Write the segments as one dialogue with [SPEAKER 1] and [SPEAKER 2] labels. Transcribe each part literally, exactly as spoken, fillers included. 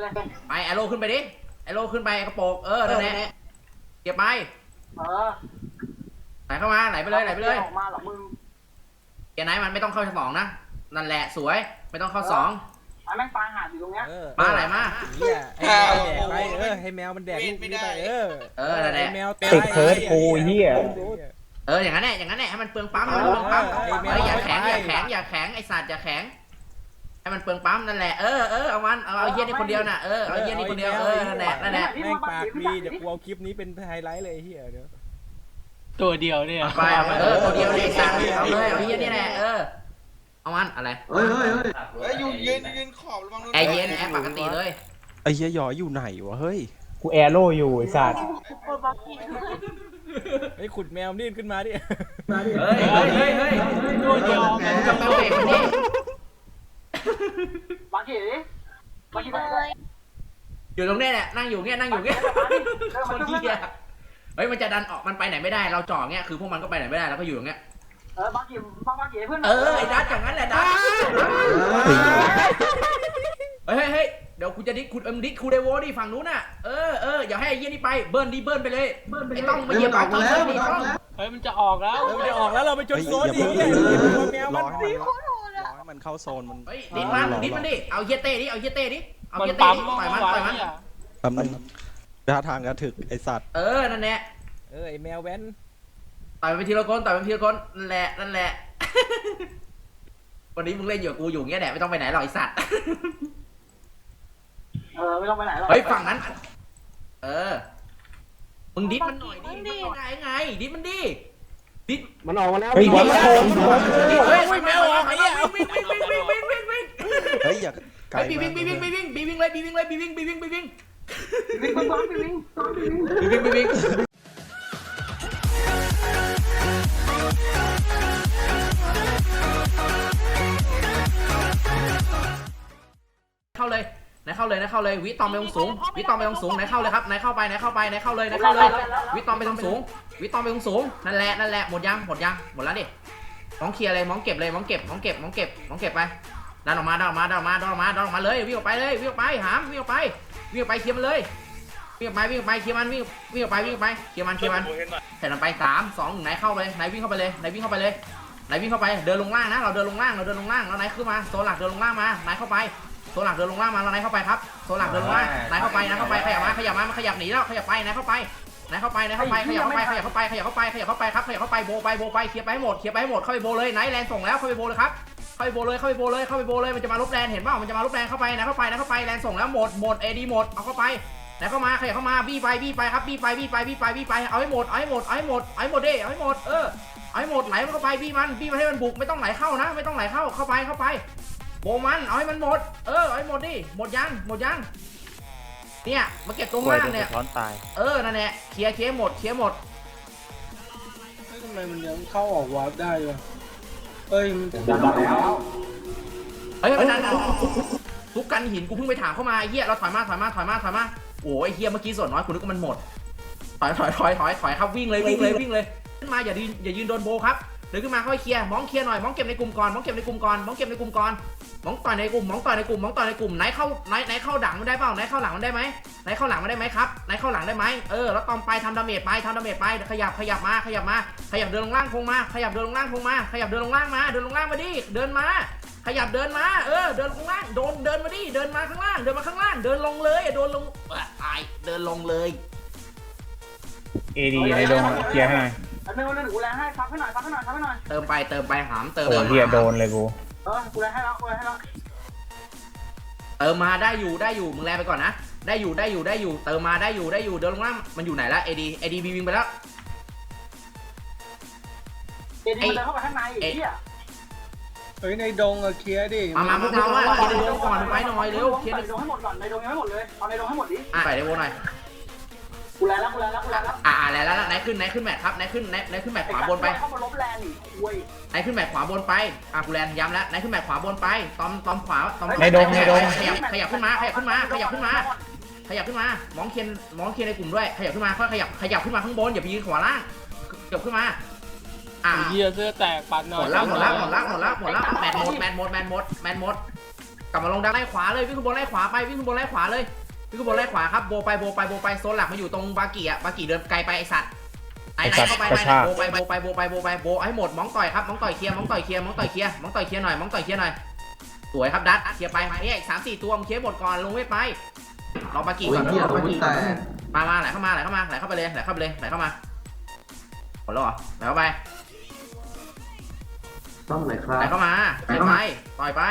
[SPEAKER 1] ไปแอโร่ขึ้นไปดิแอโร่ขึ้นไปกระโปงเออนั่นแหละเก็บไป
[SPEAKER 2] เออ
[SPEAKER 1] ไหลเข้ามาไหลไปเลยไหลไปเลย
[SPEAKER 2] ออกมาหรอมึง
[SPEAKER 1] เกียร์ไหนมันไม่ต้องเข้าสองนะนั่นแหละสวยไม่ต้องเข้าสอง
[SPEAKER 2] ไอ้แม่งปลาหาดอยู่ตรงเนี้ย
[SPEAKER 1] มาไหลมา
[SPEAKER 3] เฮียให้แมวแดกไปเออให้แมวมันแดกลูกนี้ไปเออ
[SPEAKER 1] เออนั่นแหละ
[SPEAKER 3] แมว
[SPEAKER 4] ติดเพิร์ดกูเฮีย
[SPEAKER 1] เอออย่างนั้นแหละอย่างนั้นแหละให้มันเปลืองปั๊มให้มันเปลืองปั๊มเอออย่าแข็งอย่าแข็งอย่าแข็งไอสัตว์อย่าแข็งให้มันเปลืองปั๊มนั่นแหละเออเออเอามันเอาเอาเยี่ยนี่คนเดียวน่ะเออเอาเยี่ยนี่คนเดียวเออนั่นแหละนั่นแหละ
[SPEAKER 3] แม่งปากดีเดี๋ยวกูเอาคลิปนี้เป็นไฮไลท์เลยเฮียเดี๋ยว
[SPEAKER 5] ตัวเดียวเนี่ย
[SPEAKER 1] ไปเอาเออตัวเดียวเลยสัตว์เอาเลยเอาเยี่ยนี่แหละเออเอามันอะไร
[SPEAKER 6] เฮ้ยเฮ้ยเฮ้ย
[SPEAKER 7] เฮ้ยอยู่เย็นเย็นขอบระวังโดน
[SPEAKER 1] แอร์เย็นแอร์ปกติเลย
[SPEAKER 8] ไอ้เหี้ยหยออยู่ไหนวะเฮ้ย
[SPEAKER 4] กูแอโร่อยู่ไอ้สัตว์
[SPEAKER 3] ไอ้ขุดแมวนี่ขึ้นมาดิ
[SPEAKER 1] เฮ้ยเฮ้ยเฮ้ยเฮ้ยตัวเดียวจะเปเบรกมันดิ
[SPEAKER 2] บางทีบางทีเลย
[SPEAKER 1] อยู่ตรงนี้แหละนั่งอยู่เงี้ยนั่งอยู่เงี้ยคนเหี้ยเฮ้ยมันจะดันออกมันไปไหนไม่ได้เราจ่อเงี้ยคือพวกมันก็ไปไหนไม่ได้แล้วก็อยู่อย่างเงี้ย
[SPEAKER 2] เออบางทีบางบางทีเพื่อน
[SPEAKER 1] เออไอ้ดัดอย่างนั้นแหละดัดเฮ้ยเฮ้ยเดี๋ยวกูจะดิคุณเอ็มดิคูเดโวดิฝั่งนู้นน่ะเออเอออย่าให้ไอ้เยี่ยนี่ไปเบิ้ลดิเบิ้ลไปเลยไอ้ต้องมาเหยียบปากต้องดิต้อง
[SPEAKER 5] เฮ้ยมันจะออกแล้ว
[SPEAKER 3] มันจะออกแล้วเราไปจนโซนดิแมวมัน
[SPEAKER 8] รอให้มันเข้าโซนมัน
[SPEAKER 1] เฮ้ยดิดมันดิดมันดิเอาเยี่ยเต้ดิเอาเยี่ยเต้ดิเอาเยี่ยเต้ดิปล่อยมันปล่อยมัน
[SPEAKER 8] แป๊บนึงท่าทางกระถึกไอสัตว์
[SPEAKER 1] เออนั่นแหละ
[SPEAKER 3] เออไอแมวแว้น
[SPEAKER 1] ต่อยไปทีละคนต่อยไปทีละคนนั่นแหละนั่นแหละวันนี้มึงเล่นอยู่กูอยู่เงี้ยแหละไม่ต้องไปไหนหรอกไอสัตว์
[SPEAKER 2] เออไม่ต้องไปไหนหรอก
[SPEAKER 1] เฮ้ยฝั่งนั้นเออมึงดิดมันหน่อยดิดิได้ไงดิดมันดิดิด
[SPEAKER 4] มันออกมาแล้ว
[SPEAKER 1] เฮ้ยเฮ้ยแมวออกไอ้เหี้ยวิ่งวิ่งวิ่งวิ่งวิ่งวิ่งวิ่ง
[SPEAKER 8] เฮ้ยอย่าไกล
[SPEAKER 1] บีวิ่งบีวิ่งบีวิ่งบีวิ่งเลยบีวิ่งเลยบีวิ่งบีวิ่งบีวิ่ง
[SPEAKER 2] วิ่งวิ่งวิ่งวิ่ง
[SPEAKER 1] บีวิ่งบีวิ่งเข้าเลยไหนเข้าเลยไหนเข้าเลยวิตอมไปตรงสูงวิตอมไปตรงสูงไหนเข้าเลยครับไหนเข้าไปไหนเข้าไปไหนเข้าเลยไหนเข้าเลยวิตอมไปตรงสูงวิตอมไปตรงสูงนั่นแหละนั่นแหละหมดยังหมดยังหมดแล้วดิมองเคลียร์เลยมองเก็บเลยมองเก็บมองเก็บมองเก็บมองเก็บไปดันออกมาดันออกมาดันออกมาดันออกมาดันออกมาเลยวิ่งออกไปเลยวิ่งออกไปหามวิ่งออกไปวิ่งออกไปเคลียร์มันเลยวิ่งออกไปวิ่งออกไปเคลียร์มันวิ่งวิ่งออกไปวิ่งออกไปเคลียร์มันเคลียร์มันเสร็จแล้วไปสามสองไหนเข้าไปไหนวิ่งเข้าไปเลยไหนวิ่งเข้าไปเลยไหนวิ่งเข้าไปเดินลงล่างนะเราเดินลงล่างเราเดินลงล่างแล้วไหนขึ้นมาโซนหลักเดินลงล่างมาไหนเข้าไปโซนหลักเดินลงล่างมาแล้วไหนเข้าไปครับโซนหลักเดินลงล่างไหนเข้าไปไหนเข้าไปขยับมาขยับมามันขยับหนีแล้วขยับไปไหนเข้าไปไหนเข้าไปไหนเข้าไปขยับเข้าไปขยับเข้าไปขยับเข้าไปขยับเข้าไปครับขยับเข้าไปโบไปโบไปเคลียร์ไปให้หมดเคลียร์ไปให้หมดเข้าไปโบเลยไหนแลนส่งแล้วเข้าไปโบเลยครับเข้าไปโบเลยเข้าไปโบเลยเข้าไปโบเลยมันจะมาลบแลนเห็นเปล่ามันจะมาลบแลนเข้าไปไหนเข้าไปไหนเข้าไปแลนส่งแล้วหมดหมดเอดีหมดเอาเข้าไปไหนเข้ามาขยับเข้ามาบี้ไปบี้ไปครับบี้ไปบี้ไปบี้ไปบี้ไปเอาให้หมดเอาให้หมดเอาให้หมดเอาให้หมดดิเอาให้หมดเออเอาให้หมดไหลมันเข้าไปบี้มันบี้มันให้มันบุกไม่ต้องไหลเข้านะไม่ต้องไหลเข้าเข้าไปเข้าไปโบมันเอาให้มันหมดเออเอาให้หมดดิหมดยังหมดยังเนี่ยมาเก็บตรงล่างเนี่ยเออนั่นแหละเคลียร์เคลียร์หมดเคลียร์หมด
[SPEAKER 5] ทำไมมันยังเข้าออกวาร์ปได้วะเฮ้ยมันดัน
[SPEAKER 1] แล้วเฮ้ยมันดันทุกกันหินกูเพิ่งไปถามเข้ามาไอ้เหี้ยเราถอยมาถอยมาถอยมาถอยมาโอ้ยไอ้เหี้ยเมื่อกี้ส่วนน้อยคุณนึกว่ามันหมดถอยถอยถอยถอยถอยครับวิ่งเลยวิ่งเลยวิ่งเลยขึ้นมาอย่ายืนอย่ายืนโดนโบครับเดินขึ้นมาค่อยเคลียร์มองเคลียร์หน่อยมองเก็บในกลุ่มก่อนมองเก็บในกลุ่มก่อนมองเก็บในกลุ่มก่อนมองต่อยในกลุ่มมองต่อยในกลุ่มมองต่อยในกลุ่มไหนเข้าไหนไหนเข้าดังมันได้เปล่าไหนเข้าหลังมันได้ไหมไหนเข้าหลังมันได้ไหมครับไหนเข้าหลังได้ไหมเออแล้วตอมไปทำดาเมจไปทำดาเมจไปขยับขยับมาขยับมาขยับเดินลงล่างคงมาขยับเดินลงล่างคงมาขยับเดินลงล่างมาเดินลงล่างมาดิเดินมาขยับเดินมาเออเดินลงล่างโดนเดินมาดิเดินมาข้างล่างเดินมาข้างล่างเดินลงเลยโดนลงตายเดินลงเลย
[SPEAKER 4] เอดีไอโดนเคลียร์ให้หน่อย
[SPEAKER 2] ไอ้แม่งเล่นกูแลให้ซับให้หน่อยซับให้หน่อยซับให้หน่อย
[SPEAKER 1] เติมไปเติมไปหามเติม
[SPEAKER 4] โอ้เฮียโดนเลยกู
[SPEAKER 2] เออกูแลให้แล้วกูแลให้แล้ว
[SPEAKER 1] เติมมาได้อยู่ได้อยู่มึงแลไปก่อนนะได้อยู่ได้อยู่ได้อยู่เติมมาได้อยู่ได้อยู่เดินลงล่างมันอยู่ไหนละเอดีเอดีบีวิ่งไปแล้ว
[SPEAKER 2] เอดีมันเดินเข้าไปข้างในไอ้เหี้ย
[SPEAKER 5] เฮ้ยในดงอะเคลียร์ดิ
[SPEAKER 1] มามาพวกเราอะเคลียร์ในดงก่อนไปหน่อยเร็วเคลียร์ใน
[SPEAKER 2] ดงให้หมดก่อนในดงให้หมดเลยเอาในดงให้หมดดิ
[SPEAKER 1] อ่ะไปในวงหน่อย
[SPEAKER 2] กูแลแล้วกูแลแล้วกูแลแล้ว
[SPEAKER 1] อ่าแล้วแล้วไหนขึ้นไหนขึ้นแมทครับไหนขึ้นไหนไหนขึ้นแมทขวาบนไป
[SPEAKER 2] เข้ามาลบแลนอีกคุย
[SPEAKER 1] ไหนขึ้นแมทขวาบนไปอ่ะกูแลนย้ำแล้วไหนขึ้นแมทขวาบนไปตอมตอมขวาตอม
[SPEAKER 4] ในดงในดง
[SPEAKER 1] ขยับขยับขึ้นมาขยับขึ้นมาขยับขึ้นมาขยับขึ้นมามองเคียนมองเคียนในกลุ่มด้วยขยับขึ้นมาค่อยขยับขยับขึ้นมาข้างบนอย่าไปยืนขวาล่างขยับขึ้นมา
[SPEAKER 5] อ่ะเหี้ยเสื้อแตกปัดหน่อย
[SPEAKER 1] หมดแล้วหมดแล้วหมดแล้วหมดแล้วหมดแล้วแมทหมดแมทหมดแมทหมดแมทหมดกลับมาลงด้านไล่ขวาเลยวิ่งขึ้นบนไล่ขวาไปวิ่งขึ้นบนไล่ขวาเลยวิ่งขึ้นบนไล่ขวาครับโบไปโบไปโบไปโซนหลักมาอยู่ตรงบากิอ่ะบากิเดินไกลไปไอสัตว์ไหนไหนเข้าไปไหนโบไปโบไปโบไปโบไปโบให้หมดมองต่อยครับมองต่อยเคลียร์มองต่อยเคลียร์มองต่อยเคลียร์มองต่อยเคลียร์หน่อยมองต่อยเคลียร์หน่อยสวยครับดัดเคลียร์ไปเนี่ยอีกสามสี่ตัวมึงเคลียร์หมดก่อนลงเวทไปรอบากิก่อนรอบากิก่อนมามาไหลเข้ามาไหลเข้ามาไหลเข้าไปเลยไหลเข้าไปเลยไหลเข้ามาหมดแล้วเหรอไหลเข้าไป
[SPEAKER 6] ต้องไหนครับ
[SPEAKER 1] ไหลเข้ามาไหลไปต่อยไป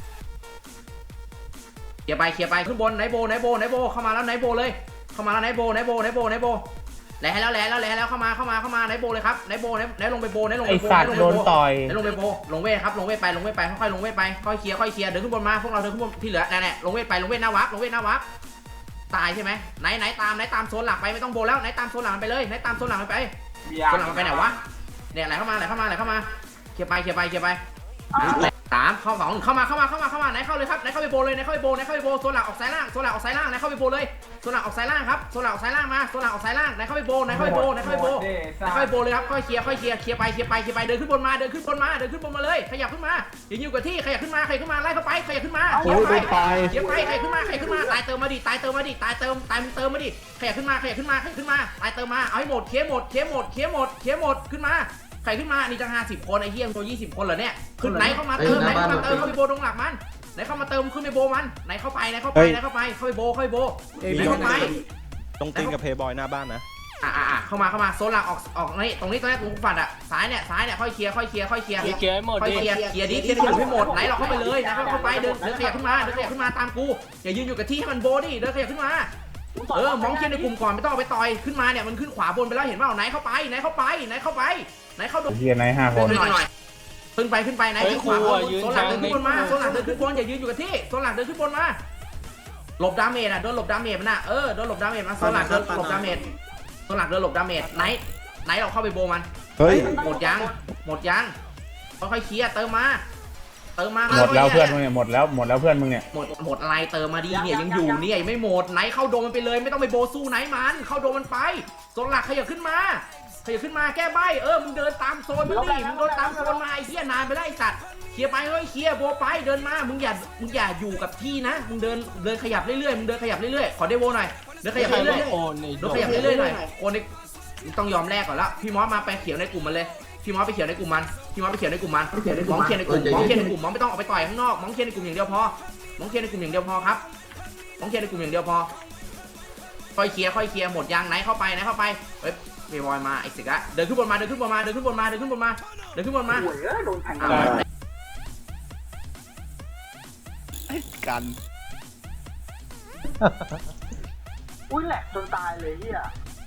[SPEAKER 1] เคลียร์ไปเคลียร์ไปขึ้นบนไนโบไนโบไนโบเข้ามาแล้วไนโบเลยเข้ามาแล้วไนโบไนโบไนโบไนโบแหล่แล้วแหล่แล้วแหล่แล้วเข้ามาเข้ามาเข้ามาไนโบเลยครับไนโบไนไนลงไปโบไนลง
[SPEAKER 4] ไอ
[SPEAKER 1] ไปโบ
[SPEAKER 4] สัตว์โดนต่อย
[SPEAKER 1] ไนลงไปโบลงเวทครับลงเวทไปลงเวทไปค่อยๆลงเวทไปค่อยเคลียร์ค่อยเคลียร์เดินขึ้นบนมาพวกเราเดินขึ้นบนที่เหลือแน่ๆลงเวทไปลงเวทหน้าวับลงเวทหน้าวับตายใช่ไหมไหนไหนตามไหนตามโซนหลักไปไม่ต้องโบแล้วไหนตามโซนหลักไปเลยไหนตามโซนหลักไปโซนหลักไปไหนวะเนี่ยไหลเข้ามาไหลเข้ามาไหลเข้ามาเคลียร์ไปเคลียร์ไปเคลียร์ไปสามเข้าสองเข้ามาเข้ามาเข้ามาเข้ามาไหนเข้าเลยครับไหนเข้าไปโบเลยไหนเข้าไปโบไหนเข้าไปโบโซนหลักออกซ้ายล่างโซนหลักออกซ้ายล่างไหนเข้าไปโบเลยโซนหลักออกซ้ายล่างครับโซนหลักออกซ้ายล่างมาโซนหลักออกซ้ายล่างไหนเข้าไปโบไหนเข้าไปโบไหนเข้าไปโบไหนเข้าไปโบเลยครับค่อยเคลียร์ค่อยเคลียร์เคลียร์ไปเคลียร์ไปเคลียร์ไปเดินขึ้นบนมาเดินขึ้นบนมาเดินขึ้นบนมาเลยขยับขึ้นมาอย่าอยู่กับที่ขยับขึ้นมาขยับขึ้นมาไล่เข้าไปขยับขึ้นมาเคลียร์ไปเคลียร์ไปขยับขึ้นมาขยับขึ้นมาตายเติมมาดิตายเติมมาดิตายเติมตายมึงเติมมาดิขยับขึ้นมาขยับขึ้นมาขยับขึ้นมาตายเติมมาเอาให้หมดเคลียร์หมดเคลียร์หมดเคลียร์หมดเคลียร์หมดขึ้นมาใครขึ้นมานี่จะห้าสิบคนไอ้เหี้ยตัวยี่สิบคนเหรอเนี่ยขึ้นไหนเข้ามาเติมไหนเข้ามาเติมเข้าไปโบตรงหลักมันไหนเข้ามาเติมขึ้นไปโบมันไหนเข้าไปไหนเข้าไปไหนเข้าไปเข้าไปโบเข้าไปโบไหนเข้าไป
[SPEAKER 8] ตรงตีนกับเพย์บอยหน้าบ้านนะ
[SPEAKER 1] อ่าอ่าเข้ามาเข้ามาโซนหลักออกออกนี่ตรงนี้ตรงนี้ตรงฝัดอ่ะซ้ายเนี่ยซ้ายเนี่ยค่อยเคลียร์ค่อยเคลียร์ค่อยเคลียร์
[SPEAKER 3] เคลียร์ให้หมด
[SPEAKER 1] ค่อย
[SPEAKER 3] ดิ
[SPEAKER 1] เคลียร์เคลียร์ดิเคลียร์ให้หมดไหนเราเข้าไปเลยนะเข้าไปเดินเดินขยับขึ้นมาเดินขยับขึ้นมาตามกูอย่ายืนอยู่กับที่ให้มันโบดิเดินขยับขึ้นมาเออมองเคลียร์ในกลุ่มก่อนไม่ต้องไปต่อยขึ้นมาเนี่ยมันขึ้นขวาบนไปแล้วเห็นเปล่าไหนเข้าไปไหนเข้าไปไหนเข้าไปไหนเข้า
[SPEAKER 4] เฮียนายห้าคน
[SPEAKER 1] ขึ้นหน่อยขึ้นไปขึ้นไปไหนขึ้นขวาบนโซนหลักเดินขึ้นบนมาโซนหลักเดินขึ้นบนอย่ายืนอยู่กับที่โซนหลักเดินขึ้นบนมาหลบดาเมจอ่ะโดนหลบดาเมจมันอ่ะเออโดนหลบดาเมจมาโซนหลักเดินหลบดาเมจโซนหลักเดินหลบดาเมจไหนไหนเราเข้าไปโบมัน
[SPEAKER 8] เฮ้ย
[SPEAKER 1] หมดยังหมดยังค่อยๆเคลียร์เติมมาเติมมา
[SPEAKER 4] หมดแล้วเพื่อนมึงเนี่ยหมดแล้วหมดแล้วเพื่อนมึงเนี่ย
[SPEAKER 1] หมดหมดอะไรเติมมาดีเนี่ยยังอยู่เนี่ยไม่หมดไหนเข้าโดมมันไปเลยไม่ต้องไปโบสู้ไหนมันเข้าโดมมันไปโซนหลักขยับขึ้นมาขยับขึ้นมาแก้ใบเออมึงเดินตามโซนมันดิมึงเดินตามโซนมาไอ้เหี้ยนานไปแล้วไอ้สัตว์เคลียร์ไปเฮ้ยเคลียร์โบไปเดินมามึงอย่ามึงอย่าอยู่กับที่นะมึงเดินเดินขยับเรื่อยๆมึงเดินขยับเรื่อยๆขอเดโวหน่อยเดินขยับเรื่อยๆ
[SPEAKER 3] โอนไอ้
[SPEAKER 1] เดินขยับเรื่อยๆหน่อยโคนในต้องยอมแลกก่อนละพี่มอสมาไปเขียวในกลุ่มมันเลยพี่มอสไปเขียวในกลุ่มมันพี่มอสไปเขียวในกลุ่มมันมองเขียนในกลุ่มมองเขียนในกลุ่มมองไม่ต้องออกไปต่อยข้างนอกมองเขียนในกลุ่มอย่างเดียวพอมองเขียนในกลุ่มอย่างเดียวพอครับมองเขียนในกลุ่มอย่างเดียวพอค่อยเคลียร์ค่อยเคลียร์หมดยางไหนเข้าไปไหนเข้าไปเฮ้ยเบย์บอยมาไอ้สิกะเดินขึ้นบนมาเดินขึ้นบนมาเดินขึ้นบนมาเดินขึ้นบนมาเดินขึ้นบนมา
[SPEAKER 2] โอ้ยเอ้ยโดนแทง
[SPEAKER 8] กัน
[SPEAKER 2] อุ้ยแหลกจนตายเลยเฮีย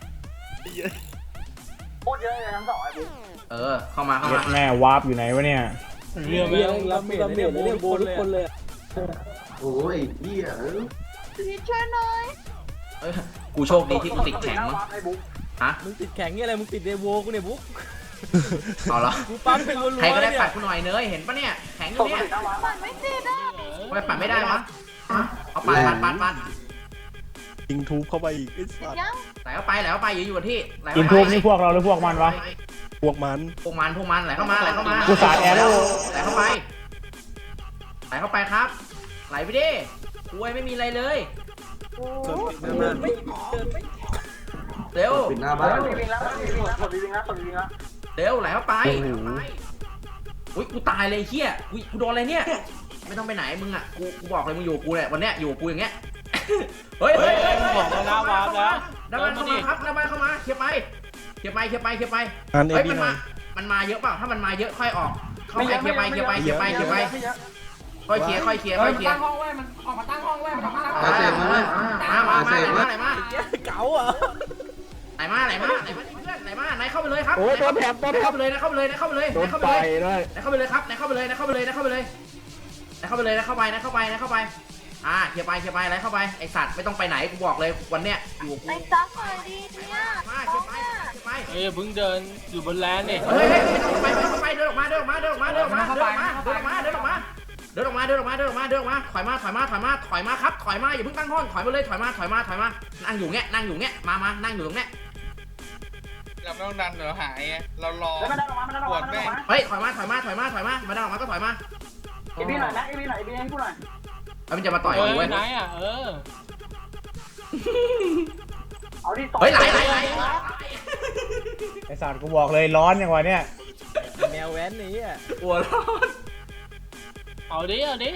[SPEAKER 2] โคตรเยอะเลยทั้งสองไอ้บุ๊ค
[SPEAKER 1] เออเข้ามาเข้า
[SPEAKER 4] เย็
[SPEAKER 1] มา
[SPEAKER 4] ดแม่วาร์ปอยู่ไหนวะเนี่ย
[SPEAKER 3] เรือแม่งรับเมจเนี่ยโบทุกคนเลย
[SPEAKER 6] โอ้ยเฮียเออ
[SPEAKER 9] พี่ช่วยหน่อย
[SPEAKER 1] เออกูโชคดีที่กูติดแข็งมั้ง
[SPEAKER 2] ไอ้บุ๊ค
[SPEAKER 1] ฮะ
[SPEAKER 3] มึงติดแข็งนี่อะไรมึงติดเดโวกูเนี่ยบุ๊ก
[SPEAKER 1] เอาละ
[SPEAKER 3] กูปั๊มเป็นรัวๆ
[SPEAKER 1] ใครก็ได้
[SPEAKER 3] เนี่ย
[SPEAKER 1] ปัดกูหน่อยเนยเห็นปะเนี่ยแข็งอ
[SPEAKER 2] ต
[SPEAKER 1] ยู่
[SPEAKER 2] ก
[SPEAKER 1] เนี่ย
[SPEAKER 2] ติดหน้าวัด
[SPEAKER 9] มันไม่ติดอ่ะ
[SPEAKER 1] ทำไมปัดไม่ได้วะเอาปัดปัดปัดปัด
[SPEAKER 8] ยิงทูบเข้าไปอีกไอ้สัตว์
[SPEAKER 9] ยัง
[SPEAKER 1] ไหลเข้าไปไหลเข้าไปอยู่อยู่กับที่ไหล
[SPEAKER 4] กิน
[SPEAKER 1] เข้า
[SPEAKER 4] ทูบ
[SPEAKER 1] ไป
[SPEAKER 4] นี่พวกเราหรือพวกมันวะ
[SPEAKER 8] พวกมัน
[SPEAKER 1] พวกมันพวกมันไหลเข้ามาไหลเข้ามา
[SPEAKER 4] กูสาดแอโร่
[SPEAKER 1] ไหลเข้าไปไหลเข้าไปครับ ไหลไปดิกล้วยไม่มีอะไรเลย
[SPEAKER 3] ไม่เดินไม่
[SPEAKER 1] เร็ว
[SPEAKER 6] ปิดหน้าบ้าน
[SPEAKER 2] ตกดีๆแล้วตกดีๆแล้วตกดีๆแล้วตกดีๆแล้ว
[SPEAKER 1] เร็วไหลเข้าไปอุ้ยกูตายเลยเฮียอุ้ยกูโดนอะไรเนี่ยไม่ต้องไปไหนมึงอ่ะกูกูบอกเลยมึงอยู่กูเนี่ยวันเนี้ยอยู่กูอย่างเงี้ยเฮ้ยเฮ้ย
[SPEAKER 3] บอกมาแล้ววาร์ปแล้ว
[SPEAKER 1] หน้าบ้านเข้ามาครับหน้าบ้านเข้ามาเคลียร์ไปเคลียร์ไปเคลียร์ไปเคลียร์ไป
[SPEAKER 8] งานเอ
[SPEAKER 1] เฮ้ย
[SPEAKER 8] บี
[SPEAKER 1] มัน
[SPEAKER 8] หน่
[SPEAKER 1] มา
[SPEAKER 8] อย
[SPEAKER 1] มันมาเยอะเปล่าถ้ามันมาเยอะค่อยออกเข้าไปเคลียร์ไปเคลียร์ไปเคลียร์ไปเคลียร์ไปค่อยเคลียร์ค่อยเคลียร์ค่อยเคลียร์
[SPEAKER 6] อาเสร็จมาเลย
[SPEAKER 1] มามามาไหนมาไหนมา
[SPEAKER 3] เก๋าอ่ะ
[SPEAKER 1] ไหนมาไหนมาไหนมาเพื่อนไหนมาไหนเข้าไปเลยครับโอ้ตัวแถบตัวแถบเข้าไปเลยนะเข้าไปเลยนะเข้าไปเลยนะเข้าไปเลยนะเข้าไปเลยครับนะเข้าไปเลยนะเข้าไปเลยนะเข้าไปเลยนะเข้าไปเลยนะเข้าไปนะเข้าไปนะเข้าไปอ่าเคลียร์ไปเคลียร์ไปอะไรเข้าไปไอสัตว์ไม่ต้องไปไหนกูบอกเลยวันเนี้ยอยู่กู
[SPEAKER 9] ไอ้ซักหน่อยดิเนี่ย
[SPEAKER 1] มาเคลียร์ไปเคลียร์ไป
[SPEAKER 3] เอ้ยเพิ่งเดินอยู่บนแลนด์นี่
[SPEAKER 1] เฮ้ยเฮ้ยไม่ต้องไปไม่ต้องไปเดินออกมาเดินออกมาเดินออกมาเดินออกมาเดินออกมาเดินออกมาเดินออกมาเดินออกมาเดินออกมาเดินออกมาเดินออกมาถอยมาถอยมาถอยมาถอยมาครับถอยมาอย่าเพิ่งตั้งห้องถอยมาเลยถอยมาถอยมาถอยมานั่งอยู่เงี้ยนั่งอยู่เงี้ยมามานั่งอยู่ตรงเนี้ย
[SPEAKER 7] เราไม่ต้องดันเดี๋ยวหายไงเรารอ
[SPEAKER 2] แล้วมันได้ออกมามันได้ออกมามันได้ออกมา
[SPEAKER 1] เฮ้ยถอยมาถอยมาถอยมาถอยมามาดันออกมาก็ถอยมา
[SPEAKER 2] ไอ้บีหน่อยนะไอ้บีหน่อยไอ้บีให้กูหน่อย
[SPEAKER 1] แล้วมันจะมาต่อย
[SPEAKER 5] เอ
[SPEAKER 1] กู
[SPEAKER 5] อ
[SPEAKER 1] เว้ย
[SPEAKER 5] ไหนอ่ะเออ
[SPEAKER 2] เอาดิต่อ
[SPEAKER 1] เฮ้ยไหลไหลไหล
[SPEAKER 4] ไอ้สัตว์กูบอกเลยร้อนอย่างวะเนี่ย
[SPEAKER 3] แมวแว้นนี้อ่ะ
[SPEAKER 1] หัวร้อน
[SPEAKER 5] เอาดิเอาดิ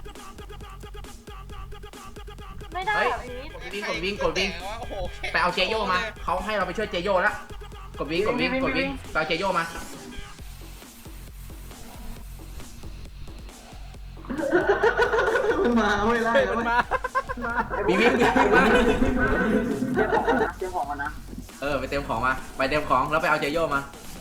[SPEAKER 9] ไม่ได้
[SPEAKER 1] เฮ้ย
[SPEAKER 9] แบบนี้
[SPEAKER 1] กดวิ่งกดวิ่งกดวิ่ง
[SPEAKER 7] โอ้โหแข็ง
[SPEAKER 1] ไปเอาเจโยมาเขาให้เราไปช่วยเจโยแล้วกดวิ่งกดวิ่งกดวิ่งไปเอาเจโยมา
[SPEAKER 6] มันมาไม่ไล่
[SPEAKER 3] เฮ้ย
[SPEAKER 6] แล้ว
[SPEAKER 3] มัน
[SPEAKER 6] เว้ย
[SPEAKER 3] มา
[SPEAKER 1] วิ่งวิ่งวิ่งมา
[SPEAKER 2] เตรียมของกันนะเตรียมของกันนะ
[SPEAKER 1] เออไปเตรียมของมาไปเตรียมของแล้วไปเอาเจโยมา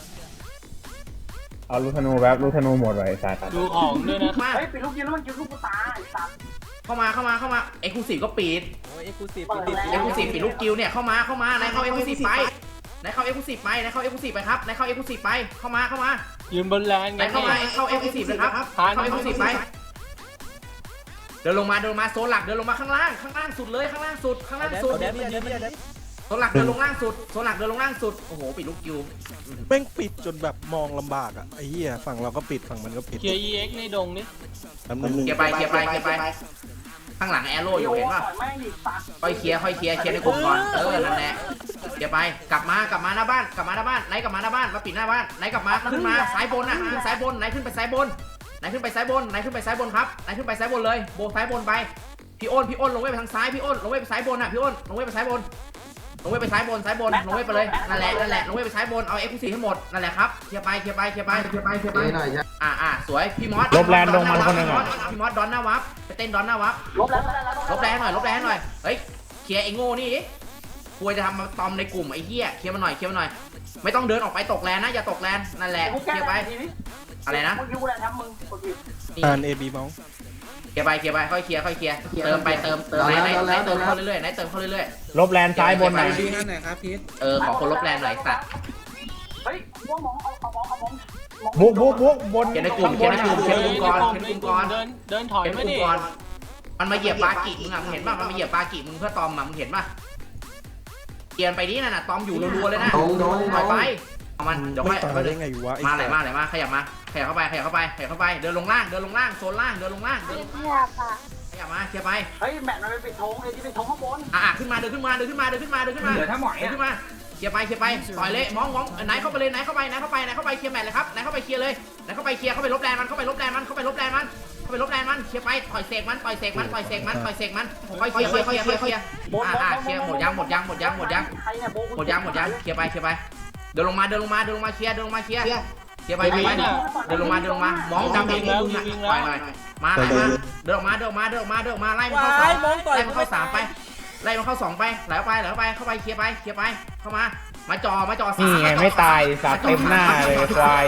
[SPEAKER 4] เอาลูกธนูแบบลูกธนูหมดไว้ไอ้สัตว์
[SPEAKER 5] ดูของด้วยนะ
[SPEAKER 1] มา
[SPEAKER 2] เฮ้ยปิดลูกยิงแล้วมันยิงลูกกูตายสัตว์
[SPEAKER 1] เข้ามาเข้ามาเข้ามาเอ็กซ์คลูซีฟก็ปิด
[SPEAKER 3] โอ้ยเอ็กซ์คลูซีฟ
[SPEAKER 2] เปิด
[SPEAKER 3] ปิด
[SPEAKER 2] แล้ว
[SPEAKER 1] เอ็กซ์คลูซีฟปิดลูกกิลเนี่ยเข้ามาเข้ามาไหนเข้าเอ็กซ์คลูซีฟไปไหนเข้าเอ็กซ์คลูซีฟไปไหนเข้าเอ็กซ์คลูซีฟไปครับไหนเข้าเอ็กซ์คลูซีฟไปเข้ามาเข้ามา
[SPEAKER 5] ยืนบนแลน
[SPEAKER 1] ไหน
[SPEAKER 5] กัน
[SPEAKER 1] เข้ามาเข้าเอ็กซ์คลูซีฟนะครับเข้าเอ็กซ์คลูซีฟไปเดินลงมาเดินลงมาโซนหลักเดินลงมาข้างล่างข้างล่างสุดเลยข้างล่างสุดข้างล่าง
[SPEAKER 3] เอาแดน
[SPEAKER 1] สุด
[SPEAKER 3] เอาแดนมันยืนมันยืน
[SPEAKER 1] โซนหลักเดินลงล่างสุดโซนหลักเดินลงล่างสุดโอ้โหปิดลูกกิล
[SPEAKER 8] แม่งปิดจนแบบมองลำบากอ่ะไอ้เหี้ยฝั่งเราก็ปิดฝั่งมันก็ปิด
[SPEAKER 5] เคลียร์ อี เอ็กซ์ ในดงนี่
[SPEAKER 8] แป๊บนึง
[SPEAKER 1] เคลียร์ไปเคลียร์ไปเคลียร์ไปข้างหลังแอโร่อยู่เห็นป่ะ
[SPEAKER 2] ต่อยแม่งดิสัตว์
[SPEAKER 1] ค่อยเคลียร์ค่อยเคลียร์เคลียร์ในกลุ่มก่อนเออนั่นแหละเคลียร์ไปกลับมากลับมาหน้าบ้านกลับมาหน้าบ้านไหนกลับมาหน้าบ้านมาปิดหน้าบ้านไหนกลับมาขึ้นมาซ้ายบนนะขึ้นซ้ายบนไหนขึ้นไปซ้ายบนไหนขึ้นไปซ้ายบนไหนขึ้นไปซ้ายบนครับไหนขึ้นไปซ้ายบนเลยโบซ้ายบนไปพี่อ้นพี่อ้นลงเว้ไปทางซ้ายพี่อ้นลงเว้ไปซ้ายบนอ่ะพี่อ้นลงเว้ไปซ้ายบนลงเว้ไปซ้ายบนซ้ายบนลงเว้ไปเลยนั่นแหละนั่นแหละลงเว้ไปซ้ายบนเอาเอ็กซ์คลูซีฟให้หมดนั่นแหละครับเคลียร์ไปเคลียร์ไปเคลียร์ไปเคลียร์ไปเคลียร์ไป
[SPEAKER 6] เจ๊หน่อยใช่
[SPEAKER 1] อ่าอ่าสวยพี่มอส
[SPEAKER 4] ลบแลนลงมันคนหนึ่งอ่ะ
[SPEAKER 1] พี่มอสดอนหน้าวับไปเต้นดอนหน้าวับ
[SPEAKER 2] ลบแล้วลบแล้ว
[SPEAKER 1] ลบแรงหน่อยลบแรงหน่อยเฮ้ยเคลียร์ไอ้โง่นี่ดิควรจะทำมาตอมในกลุ่มไอ้เหี้ยเคลียร์มาหน่อยเคลียร์มาหน่อยไม่ต้องเดินออกไปตกแลนนะอย่าตกแลนนั่นแหละ
[SPEAKER 2] กู
[SPEAKER 1] เค
[SPEAKER 2] แก้
[SPEAKER 1] ลียร์ไป
[SPEAKER 2] ทีนี้
[SPEAKER 1] อะไรนะ
[SPEAKER 2] มึงยิงกูแหละทำมึงกดผิด
[SPEAKER 1] นี่
[SPEAKER 8] อ่านเอบีมอง
[SPEAKER 1] เคลียร์ไปเคลียร์ไปค่อยเคลียร์ค่อยเคลียร์เติมไปเติมเติมไหนไหนไหนเติมเข้าเรื่อยๆไหนเติมเข้าเรื่อย
[SPEAKER 4] ลบแลนซ้ายบนหน่อย
[SPEAKER 3] ดีนั่นไหนครับพีท
[SPEAKER 1] ๆเออขอคนลบแรงหน่อยสัตว์
[SPEAKER 2] เฮ้ยมองมองเอาเอามองเอามอง
[SPEAKER 4] บุกบุกบุกบน
[SPEAKER 1] เคลียร์ในกลุ่มเคลียร์ในกลุ่มเคลียร์ในกลุ่มก่อนเคลียร์ในกลุ่มก่อน
[SPEAKER 5] เดินเดินถอย
[SPEAKER 1] เคลียร์ใน
[SPEAKER 5] ไม่
[SPEAKER 1] กลุ่
[SPEAKER 5] ดิ
[SPEAKER 1] มก่อนมันมาเหยียบบากิมึงอ่ะมึงเห็นป่ะมันมาเหยียบบากิมึงเพื่อตอมอ่ะมึงเห็นป่ะเกียร์ไปนี่น่ะตอมอยู่รัวๆเลยนะ
[SPEAKER 6] ตรงตรง
[SPEAKER 1] ถอยไปเอามันเดี๋ยว
[SPEAKER 8] ไม่
[SPEAKER 1] ค่อย
[SPEAKER 8] ตายได้ไงวะไอ้
[SPEAKER 1] มาไหน
[SPEAKER 8] สัตว์
[SPEAKER 1] มาไหนมาขยับมาขยับเข้าไปขยับเข้าไปขยับเข้าไปเดินลงล่างเดินลงล่างโซนล่างเดินลงล่างเดิน
[SPEAKER 9] เงียบค่ะ
[SPEAKER 1] ขยับมาเคลียร์ไป
[SPEAKER 2] เฮ้ยแมตช์มันไปปิดธงไอ้ที่ปิดธงข้างบน
[SPEAKER 1] อ่ะขึ้นมาเดินขึ้นมาเดินขึ้นมาเดินขึ้นมาเดินขึ้นมา
[SPEAKER 2] เหลือถ้าหมอย
[SPEAKER 1] เดิน
[SPEAKER 2] อ่ะ
[SPEAKER 1] ขึ้นมาเคลียร์ไปเคลียร์ไปต่อยเละมองมองไหนเข้าไปเลยไหนเข้าไปไหนเข้าไปไหนเข้าไปเคลียร์แมตช์เลยครับไหนเข้าไปเคลียร์เลยไหนเข้าไปเคลียร์เข้าไปลบแรงมันเข้าไปลบแรงมันเข้าไปลบแรงมันเข้าไปลบแรงมันเคลียร์ไปต่อยเสกมันต่อยเสกมันต่อยเสกมันต่อยเสกมันค่อยเคลียร์ค่อยเคลียร์ค่อยเคลียร์อ่ะอ่ะเคลียร์หมดยังหมดยังหมดยังหมดยัง
[SPEAKER 2] ใครเนี่ยโบ
[SPEAKER 1] หมดยังหมดยังเคลียร์ไปเคลียร์ไปเดินลงมาเดินลงมาเดินลงมาเคลียร์เดินลงมาเคลียร์เคลียร์ไปเคลียร์ไปเดินลงมาเดินลงมามองจำเองมึงอ่ะปล่อยหน่อยมาไล่มาเดินออกมาเดินออกมาเดินออกมาเดินออกมาไล่มันเข้าสามไล่มันเข้าสามไปไล่มันเข้าสองไปไหลออกไปไหลออกไปเข้าไปเคลียร์ไปเคลียร์ไปเข้ามามาจอมาจอสาม
[SPEAKER 4] นี่ไงไม่ตายสัตว์เต็มหน้าเลยควาย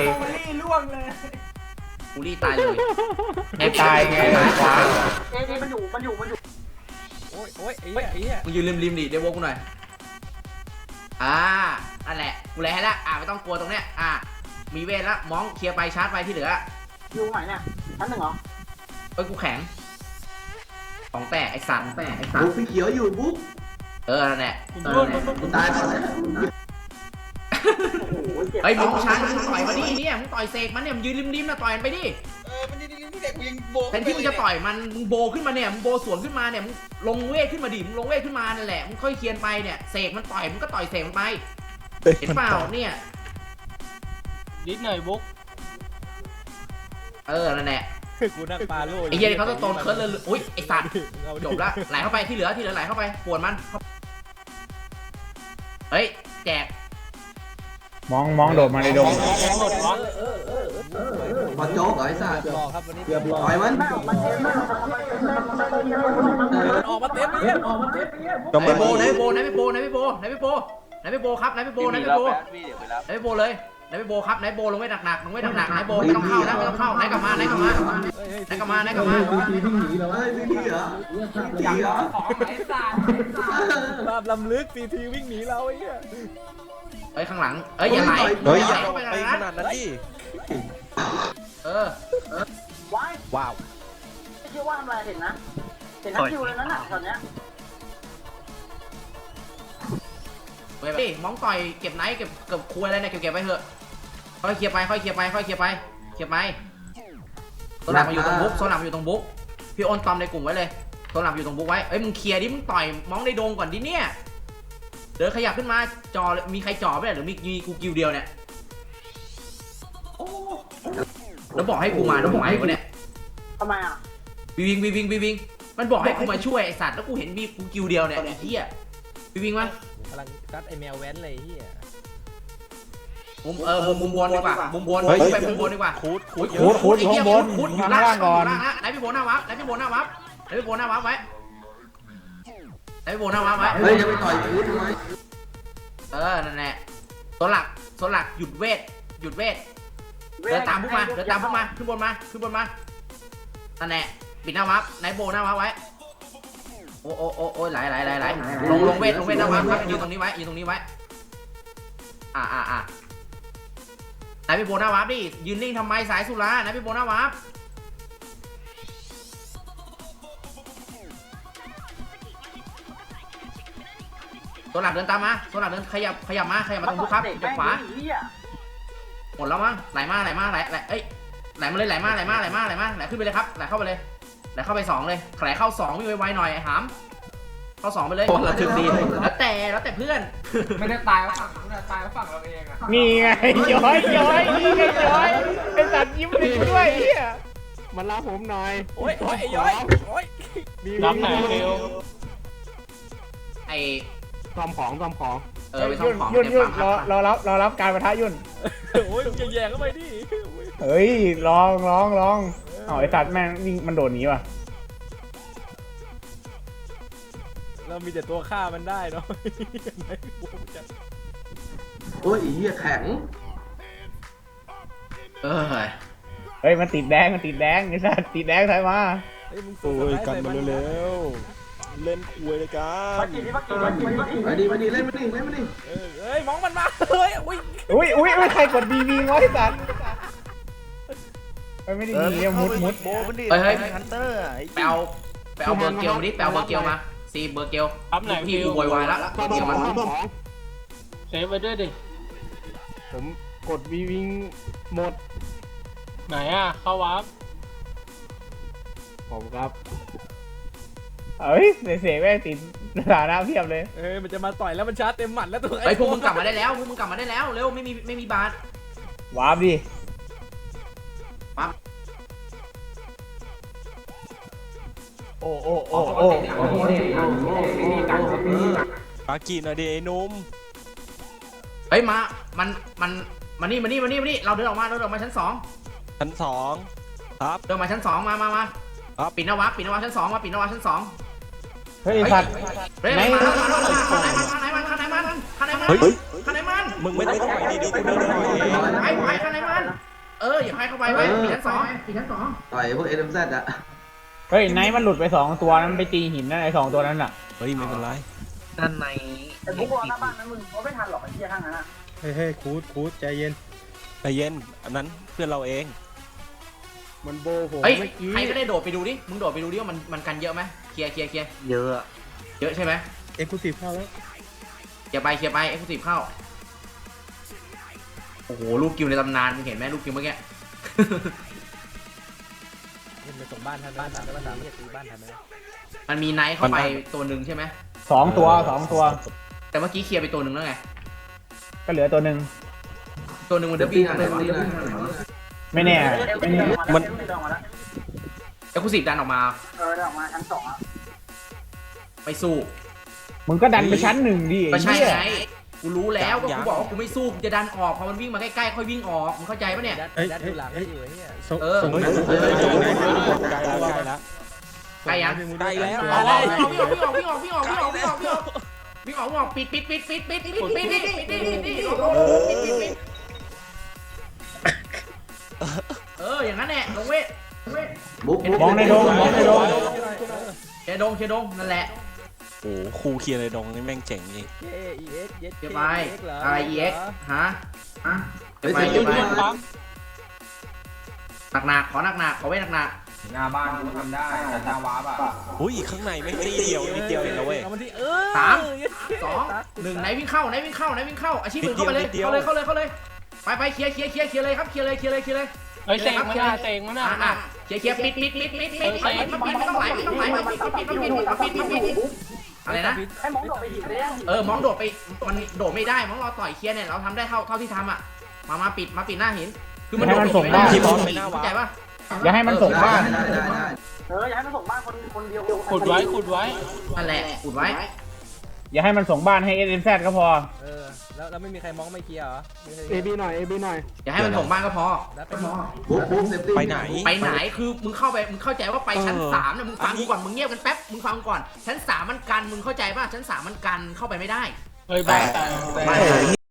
[SPEAKER 1] กูรี่ตายเลย
[SPEAKER 4] ไม่ตายไงควาย
[SPEAKER 2] เอ้ยมันอยู่มันอยู่มันอยู่
[SPEAKER 3] โอ้ยโอ้ยไอ้เหี้ยไอ้เหี้ย
[SPEAKER 1] มึงยืนริมริมดิเดวกูหน่อยอ่านั่นแหละกูแลให้ละอ่าไม่ต้องกลัวตรงเนี้ยอ่ามีเวทละมองเคลียร์ไปชาร์จไปที่เหลือ
[SPEAKER 2] อยู่ไหนเนี่ยชั้นหนึ่งเหรอ
[SPEAKER 1] เอ้ยกูแข็งของแตกไอ้สัตว์ของแตกไอ้สัต
[SPEAKER 6] บุ๊ก
[SPEAKER 1] ว์
[SPEAKER 6] พี่เขียวอยู่บุ๊ก
[SPEAKER 1] เออนั่นแหละ
[SPEAKER 5] คุณ
[SPEAKER 1] เอ
[SPEAKER 5] พู
[SPEAKER 1] อ
[SPEAKER 5] ด
[SPEAKER 1] นั่นแหละ
[SPEAKER 6] กูตายก่อนแล้ว
[SPEAKER 2] โอ้โหเจ็บ
[SPEAKER 1] เฮ้ยมึงชาร์จมึงต่อยมาดิเนี่ยมึงต่อยเสกมันเนี่ยมึงยืนริมริมนะต่อยมันไปดิ
[SPEAKER 7] เออมันยืนริมที่เด็กกูยังโบก
[SPEAKER 1] แทนที่มึงจะต่อยมันมึงโบขึ้นมาเนี่ยมึงโบสวนขึ้นมาเนี่ยมึงลงเวทขึ้นมาดิมึงลงเวทขึ้นมานั่นแหละมึงค่อยเคลียร์ไปเนี่ยเสกมันต่อยมึงก็ต่อยเสกมันไปเห็นเปล่าเนี่ย
[SPEAKER 5] นิดหน่อยบุ๊ก
[SPEAKER 1] เออนั่นแหละ
[SPEAKER 3] กูนั่งปลาโล่
[SPEAKER 1] ไอ้เหี้ยนี่เขาต้องโตนเคิร์ดเลยอุ้ยไอ้สัตว์จบละไหลเข้าไปที่เหลือที่เหลือไหลเข้าไปปวดมันเฮ้ยแจก
[SPEAKER 4] มองมองโดดมาในดง
[SPEAKER 5] หมดวะ
[SPEAKER 6] พอโจ๊กเหรอไอ้สัตว์
[SPEAKER 3] รอครับวันนี้
[SPEAKER 6] ปล่อยมัน
[SPEAKER 2] มันเจ็บมากมันเจ็บมาก
[SPEAKER 3] มันออกมาเต็มเลยออกมาเต็ม
[SPEAKER 8] ก็
[SPEAKER 1] ไหน
[SPEAKER 8] มา
[SPEAKER 1] โบไหนโบไหนโบไหนโบไหนโบไหนโบครับไหนโบไหนโบไหนโบเลยไหนโบครับไหนโบลงไว้หนักๆลงไว้หนักๆไหนโบไม่ต้องเข้านะไม่ต้องเข้าไหนกลับมาไหนกลับมาไหนกลับมาไหนกลับมา
[SPEAKER 6] พี่วิ่งหนีแล้วเฮ้ยพี่หนีเหรอพี่หนีเหรอ
[SPEAKER 3] ภาพลำลึกซีทีวิ่งหนีเราไอ้เหี้ย
[SPEAKER 1] เฮ้ยข้างหลังเอ้ยอย่าไหล
[SPEAKER 8] เฮ้ย
[SPEAKER 1] อ
[SPEAKER 8] อย่า
[SPEAKER 1] ย่า
[SPEAKER 8] เอา
[SPEAKER 1] เข้าไป
[SPEAKER 8] ไป
[SPEAKER 1] นะ
[SPEAKER 8] ขนาดนั้นดิ
[SPEAKER 1] เออ
[SPEAKER 2] ว้าย
[SPEAKER 8] ว้าว
[SPEAKER 2] ไม่เชื่อว่าทำอะไรเห็นนะเห็นนักคิวเลยนั่นน่ะตอนเนี้ย
[SPEAKER 1] เฮ้ยมองต่อยเก็บไหนเก็บเก็บคุยอะไรเนี่ยเก็บเก็บไปเถอะค่อยเคลียร์ไปค่อยเคลียร์ไปค่อยเคลียร์ไปเคลียร์ไปโซนหลักมาอยู่ตรงบุ๊กโซนหลักมาอยู่ตรงบุ๊กพี่โอนตอมในกลุ่มไว้เลยตัวหลักอยู่ตรงบุ๊กไว้เอ้ยมึงเคลียร์ดิมึงต่อยมองในดงก่อนดิเนี่ยเดินขยับขึ้นมาจอมีใครจ่อไหมหรือมีมีกูกิวเดียวเนี่ยแล้วบอกให้กูมาแล้วบอกให้กูเนี่ย
[SPEAKER 2] ทำไมอ่ะ
[SPEAKER 1] วีวิงวีวิงวีวิงมันบอกให้กูมาช่วยไอสัตว์แล้วกูเห็นมีกูกิวเดียวเนี่ยไอ้เหี้ยวีวิงมา
[SPEAKER 3] กำลังซัดไอแมวแว้นเลยเฮีย
[SPEAKER 1] มุมเออมุมมุมบนดีกว่ามุมบนไปมุมบนดีกว่า
[SPEAKER 8] คูดคูด
[SPEAKER 1] คูดคูดอยู่ข้างบนคูดอยู่ข้างล่างก่อนไหนพี่โบหน้าวับไหนพี่โบหน้าวับไหนพี่โบหน้าวับไว้ไหนพี่โบหน้าวับไว้
[SPEAKER 6] เฮ้ยจะไปต่อยกูทำไม
[SPEAKER 1] เออนั่นแหละตัวหลักตัวหลักหยุดเวทหยุดเวทเดินตามพวกมาเดินตามพวกมาขึ้นบนมาขึ้นบนมานั่นแหละปิดหน้าวับไหนโบหน้าวับไว้โอ้โอ้โอ้โอ้ไหลไหลไหลไหลลงลงเวทลงเวทหน้าวับครับยืนตรงนี้ไว้ยืนตรงนี้ไว้อ่าอ่าอ่าไหนพี่โบหน้าวับดิยืนนิ่งทำไมสายสุราไหนพี่โบหน้าวับตัวหลักเดินตามมาตัวหลักเดินขยับขยับมาขยับมาตรงบุ๊คครับขยับขวาหมดแล้วมั้งไหลมาไหลมาไหลไหลเอ้ยไหลมาเลยไหลมาไหลมาไหลมาไหลมาไหลขึ้นไปเลยครับไหลเข้าไปเลยไหลเข้าไปสองเลยไหลเข้าสองวิ่งไวๆหน่อยไอ้หามเข้าสองไปเลยระทึกดีแล้วแต่แล้วแต่เพื่อน
[SPEAKER 7] ไม่ได้ตายแล้วฝั่งนู้นตายแล้วฝั่งเราเองอะ
[SPEAKER 4] นี่ไงย้อยย้อยนี่ไงย้อยไอ้สัตว์ยิ้มเลยด้วยเฮียมาลาผมหน่อย
[SPEAKER 3] โอ้ยโอ้ยไอ้ย้อยโอ้ย
[SPEAKER 4] รับหน่อยเร็ว
[SPEAKER 1] ไอ้
[SPEAKER 4] ซ่อมของซ่อมของ
[SPEAKER 1] เออไปซ่อมของ
[SPEAKER 4] ยุ่น
[SPEAKER 1] เดี๋ยว
[SPEAKER 4] ยุ่น
[SPEAKER 1] ปั๊ม
[SPEAKER 4] รอรอรับรอรับการประทะยุ่น
[SPEAKER 3] โอ้ยแย่ๆเข้าไปดิ
[SPEAKER 4] เฮ้ยลองลองลองเอาไอ้สัตว์แม่งวิ่งมันโดดหนีว่ะ
[SPEAKER 3] เรามีแต่ตัวฆ่ามันได้เนาะ
[SPEAKER 6] โอ้ยอีเหี้ยแข็ง
[SPEAKER 1] เออ
[SPEAKER 4] เฮ้ยมันติดแดงมันติดแดงไอ้สัตว์ติดแดงใส่มา
[SPEAKER 3] เฮ้ยมึง
[SPEAKER 8] โอ้ยกันมาเร็วๆเล่นคุยเลยกั
[SPEAKER 2] มาน กินที่มากินมากินมากิน
[SPEAKER 6] มาดิมาดิเล่นมาดิเล่นมาดิ
[SPEAKER 3] เออเฮ้ยมองมันมาเฮ้ยอุ้ย
[SPEAKER 4] อุ้ยอุ้ยอุ้ยใครกดบีบีวะไอ้สัตว์ไม่ได้มีมุดมุด
[SPEAKER 1] เฮ้ยเฮ้ยไปเอาไปเอาเบอร์เกลมาดิไปเอาเบอร์เกลมาซีเบอร์เกลพี่กูโวยวายแล้วเบอร์เกลมัน
[SPEAKER 5] เซฟไปด้วยดิ
[SPEAKER 4] ผมกดบีบีหมด
[SPEAKER 5] ไหนอ่ะเข้าวาร์ป
[SPEAKER 4] ผมครับเฮ้ยเสียแม่งติดสถานะเพียบเลย
[SPEAKER 3] เอ้ยมันจะมาต่อยแล้วมันชาร์จเต็มหมัดแล้วตัว
[SPEAKER 1] เฮ้ยพวกมึงกลับมาได้แล้วพวกมึงกลับมาได้แล้วเร็วไม่มีไม่มีบาท
[SPEAKER 4] วาร์ปดิ
[SPEAKER 1] ปั๊บ
[SPEAKER 4] โอ้โอ้โอ้โอ้
[SPEAKER 8] ปากีหน่อยดิไอ้นุ่ม
[SPEAKER 1] เฮ้ยมามันมันมานี่มานี่มานี่มานี่เราเดินออกมาเราเดินออกมาชั้นสอง
[SPEAKER 8] ชั้นสองครับ
[SPEAKER 1] เดินมาชั้นสองมามามา
[SPEAKER 8] ครับ
[SPEAKER 1] ปิดนวับปิดนวับชั้นสองมาปิดนวับชั้นสอง
[SPEAKER 4] เฮ้ยสัตว์
[SPEAKER 1] เฮ้ยไหนมันข้างไหนมันข้างไหนมันข้างไหนมันข้างไหนมันข้างไหนมันข้างไหนมัน
[SPEAKER 8] มึงไม่ได้ต่อยดีๆกูเดินหน่อยเอง
[SPEAKER 1] ไปไปข้างไหนมันเอออย่าให้เข้าไปไปปิดชั้นสองปิดชั้นสอง
[SPEAKER 6] ต่อยพวกเอ็มแซดอะ
[SPEAKER 4] เฮ้ยไนท์มันหลุดไปสองตัวนั้นไปตีหินนั่นไอ้สองตัวนั้นอ่ะ
[SPEAKER 8] เฮ้ยไม่เป็นไร
[SPEAKER 2] แต่พวกหน้าบ้านนั้นมึงเขาไม่ทันหรอกไอ้เหี้ยข้างนั้นอ่ะ
[SPEAKER 3] เฮ้ยเฮ้ยคูดคูดใจเย็น
[SPEAKER 8] ใจเย็นอันนั้นเพื่อนเราเอง
[SPEAKER 3] มันโบผม
[SPEAKER 1] เฮ้ย
[SPEAKER 3] เมื่อกี้
[SPEAKER 1] ใครก็ได้โดดไปดูดิมึงโดดไปดูดิว่ามันมันกันเยอะไหมเคลียร์เคลียร์เคลียร์เยอะเยอะใช่ไหม
[SPEAKER 3] เอ็กซ์คลูซีฟเข้าแล้ว
[SPEAKER 1] เคลียร์ไปเคลียร์ไปเอ็กซ์คลูซีฟเข้าโอ้โหลูกกิวในตำนานมึงเห็นไหมลูกกิวเมื่อกี้
[SPEAKER 3] มันไปส่งบ้านทันบ้านทันแล้วบ้านทันไม่ตีบ้านทันไหม
[SPEAKER 1] มันมีไนท์เข้าไปตัวหนึ่งใช่ไหม
[SPEAKER 4] สองตัวสองตัว
[SPEAKER 1] แต่เมื่อกี้เคลียร์ไปตัวหนึ่งแล้วไง
[SPEAKER 4] ก็เหลือตัวหนึ่ง
[SPEAKER 1] ตัวหนึ่งมันเดบี้ทางไหนวะ
[SPEAKER 4] ไม่แน่
[SPEAKER 2] ไม่แน่มันเดินออกมาแล้ว
[SPEAKER 1] เอ็กซ์คลูซีฟดันออกมา
[SPEAKER 2] เออเดินออกมาชั้นสองอ่ะ
[SPEAKER 1] ไปสู้
[SPEAKER 4] มึงก็ดันไปชั้นหนึ่งดิ
[SPEAKER 1] ก็ใช่
[SPEAKER 4] ไอ้เหี้ย
[SPEAKER 1] ไงกูรู้แล้วก็กูบอกว่ากูไม่สู้กูจะดันออกพอมันวิ่งมาใกล้ๆค่อยวิ่งออกมึงเข้าใจปะเนี่ย
[SPEAKER 3] เฮ้ยดูหลังให้อยู่ไอ้เหี้ย
[SPEAKER 1] เออ
[SPEAKER 8] เฮ้ยเฮ้ยใกล้แล้วใกล้แล้ว
[SPEAKER 1] ใกล้ยัง
[SPEAKER 8] ใกล้แล้ว
[SPEAKER 1] วิ่งออกวิ่งออกวิ่งออกวิ่งออกวิ่งออกวิ่งออกวิ่งออกวิ่งออกวิ่งออกวิ่งออกวิ่งออกปิดปิดปิดปิดปิดปิดปิดปิดปิดปิดปิดปิดปิดปิดเอออย่างนั้นแหละลงเวทลงเวท
[SPEAKER 6] บุ๊ก
[SPEAKER 4] มองในโดงมองในโดง
[SPEAKER 1] เชดงเชดงนั่นแหละ
[SPEAKER 8] โอ้ครูเคลียร์ในดงนี่แม่งเจ๋งจริง
[SPEAKER 3] เย้ อี เอ็กซ์ เย็ด
[SPEAKER 1] เดี๋ยวไปอะไร อี เอ็กซ์ ฮะฮะเดี๋ยวไป
[SPEAKER 6] ไป
[SPEAKER 1] เดี๋ยวไป
[SPEAKER 6] ปั๊ม
[SPEAKER 1] หนักหนักขอหนักหนักขอเว้หนักหนัก
[SPEAKER 7] หน้าบ้านกูทำได้แต่หน้าวาร์ปอ่ะ
[SPEAKER 8] อุ้ยข้างในแม่งตีเดียวนิดเดียวเองนะเว้ย
[SPEAKER 3] เอามันที่เออ
[SPEAKER 1] สามสองหนึ่งไหนวิ่งเข้าไหนวิ่งเข้าไหนวิ่งเข้าอาชีพอื่นเข้าไปเลยเข้าเลยเข้าเลยเข้าเลยไปไปเคลียร์เคลียร์เคลียร์เคลียร์เลยครับเคลียร์เลยเคลียร์เลยเคลียร์เลย
[SPEAKER 5] เฮ้ยเตงมันอ่ะเตงมันอ่ะ
[SPEAKER 1] อ่ะเคลียร์เคลียร์ปิดปิดปิดปิดปิดปิดมาปิดไม่ต้องไหลไม่ต้องไหลมาปิดมาปิดมาปิดมาปิดมาปิดอะไรนะ
[SPEAKER 2] ให้มองโดดไปหินเลยนะ
[SPEAKER 1] เออมองโดดไปมันโดดไม่ได้มองเราต่อยเคลียร์เนี่ยเราทำได้เท่าเท่าที่ทำอ่ะมามาปิดมาปิดหน้าหินคือมันโดดไม่ได้เข้าใจป่ะ
[SPEAKER 4] อย่าให้มันส่งบ้าน
[SPEAKER 6] ได้ได้ได้
[SPEAKER 2] เอออย่าให้มันส่งบ้านคนคนเดียว
[SPEAKER 5] ขุดไว้ขุดไว้
[SPEAKER 1] นั่นแหละอุดไว้
[SPEAKER 4] อย่าให้มันส่งบ้านให้ เอส เอ็ม แซด ก็พอ
[SPEAKER 3] เออแล้วแล้วไม่มีใครมองไม่เคลียร์เหรอ
[SPEAKER 5] เอบีหน่อยเอบีหน่อย
[SPEAKER 1] อย่าให้มันส่งบ้านก็พอ
[SPEAKER 3] แล้วไป
[SPEAKER 1] ก็พอ
[SPEAKER 6] บุ๊บบุ๊บเซฟตี้
[SPEAKER 8] ไปไหน
[SPEAKER 1] ไปไหนคือมึงเข้าไปมึงเข้าใจว่าไปชั้นสามเนี่ยมึงฟังกูก่อนมึงเงียบกันแป๊บมึงฟังก่อนชั้นสามมันกันมึงเข้าใจป่ะชั้นสามมันกันเข้าไปไม่ได้
[SPEAKER 5] เฮ้ยบ้า
[SPEAKER 1] บ้าน